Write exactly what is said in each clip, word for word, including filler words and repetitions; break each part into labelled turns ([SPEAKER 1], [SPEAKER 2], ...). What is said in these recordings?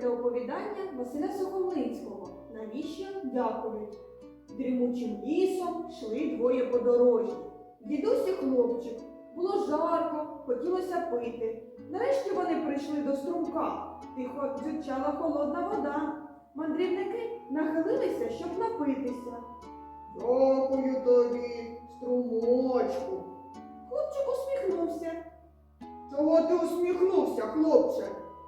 [SPEAKER 1] слухайте оповідання Василя Сухомлинського «Навіщо дякують». Дрімучим лісом йшли двоє подорожні. Дідусь і хлопчик. Було жарко, хотілося пити. Нарешті вони прийшли до струмка. Тихо дзюрчала холодна вода. Мандрівники нахилилися, щоб напитися.
[SPEAKER 2] Дякую тобі, струмочку.
[SPEAKER 1] Хлопчик усміхнувся.
[SPEAKER 2] Чого ти усміхнувся, хлопче?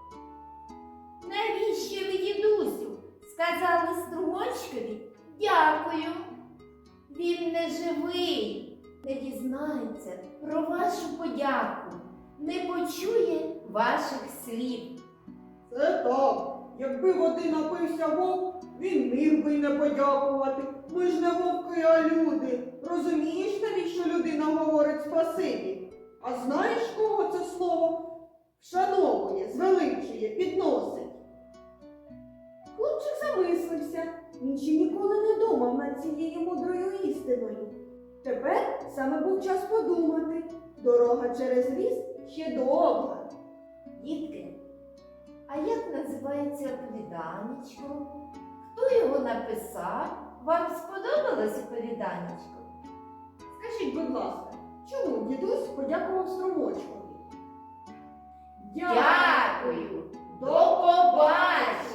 [SPEAKER 3] Навіщо ви, дідусю, сказали струмочкові дякую? Він не живий, не дізнається про вашу подяку, не почує ваших слів.
[SPEAKER 2] Це так. Якби води напився вовк, він міг би й не подякувати. Ми ж не вовки, а люди. Розумієш, навіщо людина говорить спасибі? А знаєш, кого це слово вшановує, звеличує, підносить?
[SPEAKER 1] Хлопчик замислився. Він ще ніколи не думав над цією мудрою істиною. Тепер саме був час подумати. Дорога через ліс ще довга.
[SPEAKER 3] Дітки, а як називається оповіданечко? Хто його написав? Вам сподобалось оповіданечко?
[SPEAKER 1] Скажіть, будь ласка, чому дідусь подякував струмочкові?
[SPEAKER 3] Дякую! До побачення!